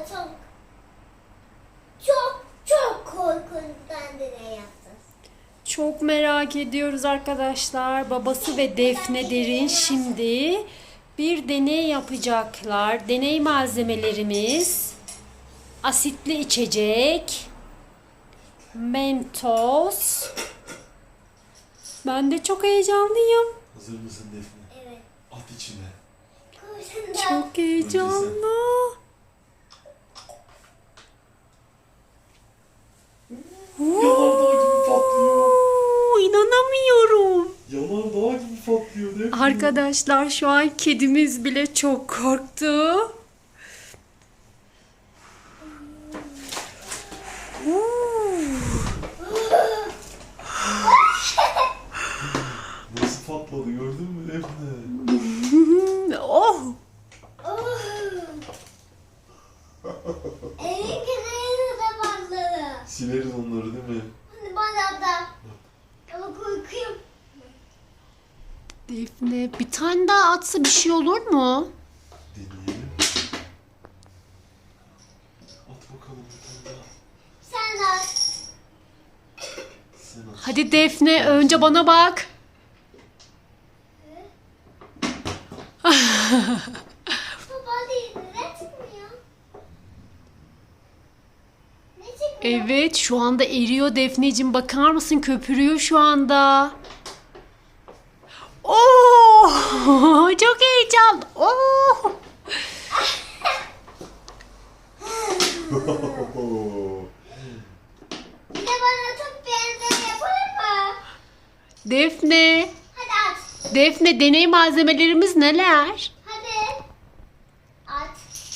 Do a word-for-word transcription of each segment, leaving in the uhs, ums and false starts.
çok çok çok korkunçtan deney yaptım. Çok merak ediyoruz arkadaşlar. Babası ve Defne Derin şimdi bir deney yapacaklar. Deney malzemelerimiz asitli içecek, Mentos. Ben de çok heyecanlıyım. Hazır mısın Defne? Evet. At içine. Kurşundan. Çok heyecanlı. Yanardağ gibi patlıyor. Oo, İnanamıyorum. Yanardağ gibi patlıyor Defne. Arkadaşlar şu an kedimiz bile çok korktu. Nasıl patladı gördün mü Defne? Oh! Oh. Evin kenarına da patladı. Sileriz onları değil mi? Hani bana da. Ama korkuyorum. Defne bir tane daha atsa bir şey olur mu? Deneyelim. At bakalım bir tane daha. Sen de at. Sen at. Hadi Defne önce bana bak. Baba değil. Neden çıkmıyor? Ne çıkmıyor? Evet şu anda eriyor Defneciğim, bakar mısın, köpürüyor şu anda. Oo! Çok heyecan. Oo! Bir de bana çok benzer yapalım mı? Defne, Hadi at. Defne deney malzemelerimiz neler? Hadi. At.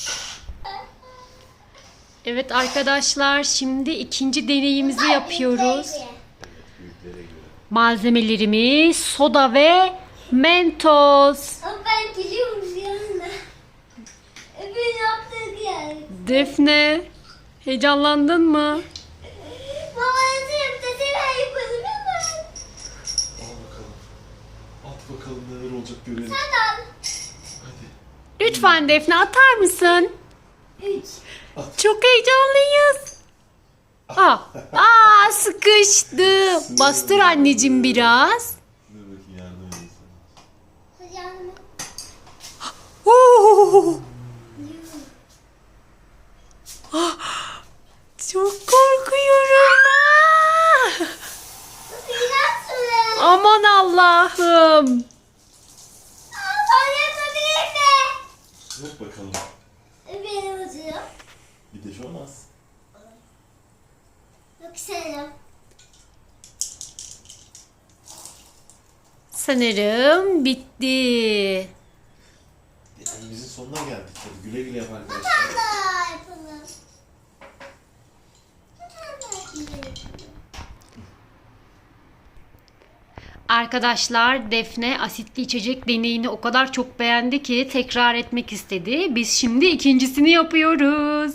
Evet arkadaşlar şimdi ikinci deneyimizi yapıyoruz. Büyüklere göre. Malzemelerimiz soda ve Mentos. Ama ben biliyorum yanında. Öbür yaptığı yer. Defne, heyecanlandın mı? Baba nasıl yaptı? Sen yapalım hemen. Al bakalım. At bakalım neler olacak görelim. Hadi al. Hadi. Lütfen Defne atar mısın? Üç. Çok heyecanlıyız. Aa, aa sıkıştı. Bastır anneciğim biraz. Dur bakayım yardım edeyim sana. Hadi yanıma. Oo. Ah, çok korkuyorum. Ah. Biraz süre. Aman Allah'ım. Aa, ben yapabilir mi? Yok bakalım. Benim acıyor. Bir de şu olmaz. Yok sen yap. Sanırım bitti. Deneyimizin sonuna geldik. Hadi güle güle yap arkadaşlar. Daha yapalım. Bir tane daha yapalım. Arkadaşlar Defne asitli içecek deneyini o kadar çok beğendi ki tekrar etmek istedi. Biz şimdi ikincisini yapıyoruz.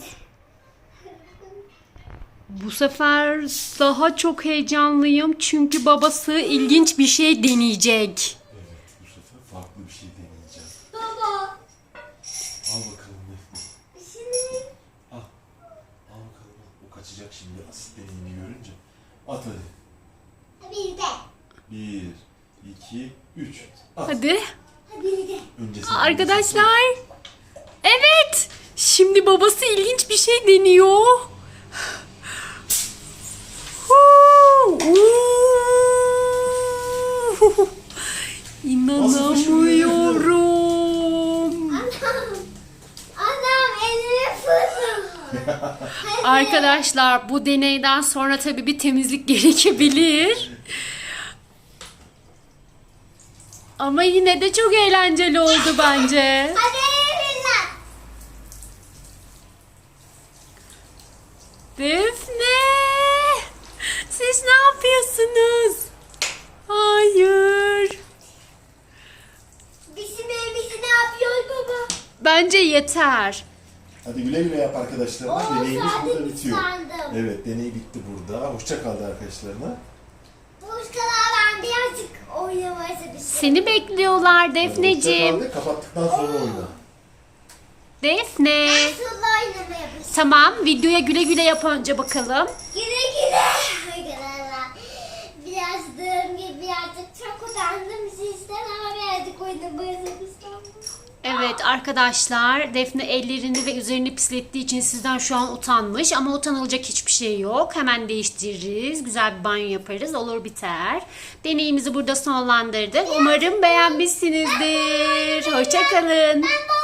Bu sefer daha çok heyecanlıyım çünkü babası ilginç bir şey deneyecek. Evet bu sefer farklı bir şey deneyeceğim. Baba. Al bakalım Defne. Şimdi Al. Al bakalım. al. O kaçacak şimdi asit deneyini görünce. At hadi. bir de. Bir, iki, üç. At. Hadi. Hadi bir de. Önce sen Arkadaşlar. Evet. Şimdi babası ilginç bir şey deniyor. Huu, uuu. İnanamıyorum. Anam. Anam elimi fırladı. Arkadaşlar bu deneyden sonra tabii bir temizlik gerekebilir. Ama yine de çok eğlenceli oldu bence. Hadi elinden. Defne! Siz ne yapıyorsunuz? Hayır. Bizim evimizi ne yapıyor baba? Bence yeter. Hadi güle güle yap arkadaşlarına. Oo, Deneyimiz sadece burada bitiyor. sandım. Evet deney bitti burada. Hoşça kaldı arkadaşlarına. Bu ıskalağa ben birazcık oynamaya çalışıyorum. Seni bekliyorlar Hadi hoşça Defneciğim. kal de, kapattıktan sonra oyna. Defne. Nasıl oynamaya başladım. Tamam, videoya güle güle yap önce bakalım. Güle güle. Arkadaşlar. Biraz dığım gibi birazcık çok utandım sizden ama birazcık oynamaya çalıştım. Evet arkadaşlar, Defne ellerini ve üzerini pislettiği için sizden şu an utanmış ama utanılacak hiçbir şey yok. Hemen değiştiririz, güzel bir banyo yaparız, olur biter. Deneyimizi burada sonlandırdık. Umarım beğenmişsinizdir. Hoşça kalın. Ben